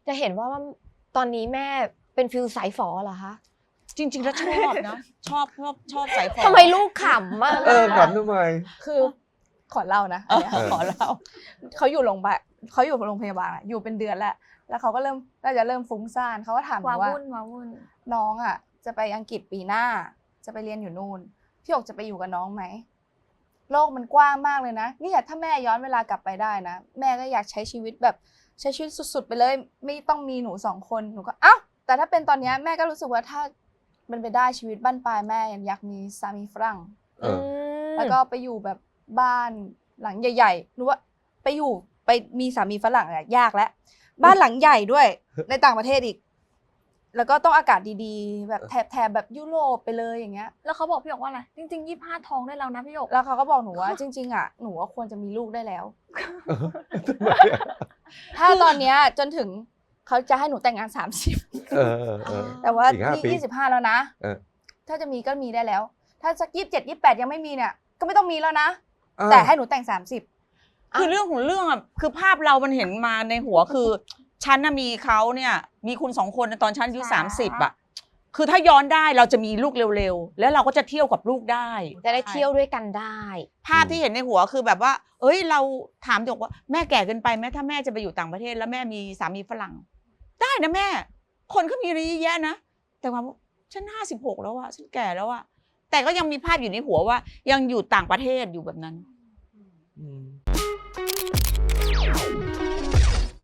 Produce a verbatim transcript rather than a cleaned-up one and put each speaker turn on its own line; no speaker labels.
จะเห็นว่าตอนนี้แม่เป็นฟิลสายฝอเหรอคะ
จริงๆแล้วชอบนะชอบชอบชอบสายฝอ
ทำไมลูกขำมาก
เออขำทำไม
คือขอเล่านะขอเล่าเขาอยู่โรงพยาบาลเขาอยู่โรงพยาบาลอยู่เป็นเดือนแล้วแล้วเขาก็เริ่มน่าจะเริ่มฟุ้งซ่านเขาก็ถามว่า
วุ่นว้าวุ่น
น้องอ่ะจะไปอังกฤษปีหน้าจะไปเรียนอยู่นู่นพี่หยกจะไปอยู่กับน้องไหมโลกมันกว้างมากเลยนะนี่ถ้าแม่ย้อนเวลากลับไปได้นะแม่ก็อยากใช้ชีวิตแบบใช้ชีวิตสุดๆไปเลยไม่ต้องมีหนูสองคนหนูก็เอ้าแต่ถ้าเป็นตอนนี้แม่ก็รู้สึกว่าถ้ามันไปได้ชีวิตบ้านปลายแม่อยากมีสามีฝรั่งแล้วก็ไปอยู่แบบบ้านหลังใหญ่ๆรู้ว่าไปอยู่ไปมีสามีฝรั่งอะยากแล้วบ้านหลังใหญ่ด้วยในต่างประเทศอีกแล้วก็ต้องอากาศดีๆแบบแถบแถบแบบยุโรปไปเลยอย่างเงี้ย
แล้วเขาบอกพี่หยกว่าอะไรจริงๆยี่สิบห้าท้องได้แล้วนะพี่หยก
แล้วเขาก็บอกหนูว่าจริงๆอ่ะหนูว่าควรจะมีลูกได้แล้วถ้าตอนเนี้ยจนถึงเขาจะให้หนูแต่งงานสามสิบแต่ว่านี่ยี่สิบห้าแล้วนะถ้าจะมีก็มีได้แล้วถ้าสักยี่สิบเจ็ดยี่สิบแปดยังไม่มีเนี่ยก็ไม่ต้องมีแล้วนะแต่ให้หนูแต่งสามสิบ
คือเรื่องของเรื่องอ่ะคือภาพเรามันเห็นมาในหัวคือฉันน่ะมีเขาเนี่ยมีคุณสองคนตอนฉันอายุสามสิบอ่ะคือถ้าย้อนได้เราจะมีลูกเร็วๆแล้วเราก็จะเที่ยวกับลูกได้
จะได้เที่ยวด้วยกันได้
ภาพที่เห็นในหัวคือแบบว่าเอ้ยเราถามหยกว่าแม่แก่เกินไปไหมถ้าแม่จะไปอยู่ต่างประเทศแล้วแม่มีสามีฝรั่งได้นะแม่คนก็มีอะไรเยอะแยะนะแต่ว่าฉันห้าสิบหกแล้วอะฉันแก่แล้วอะแต่ก็ยังมีภาพอยู่ในหัวว่ายังอยู่ต่างประเทศอยู่แบบนั้น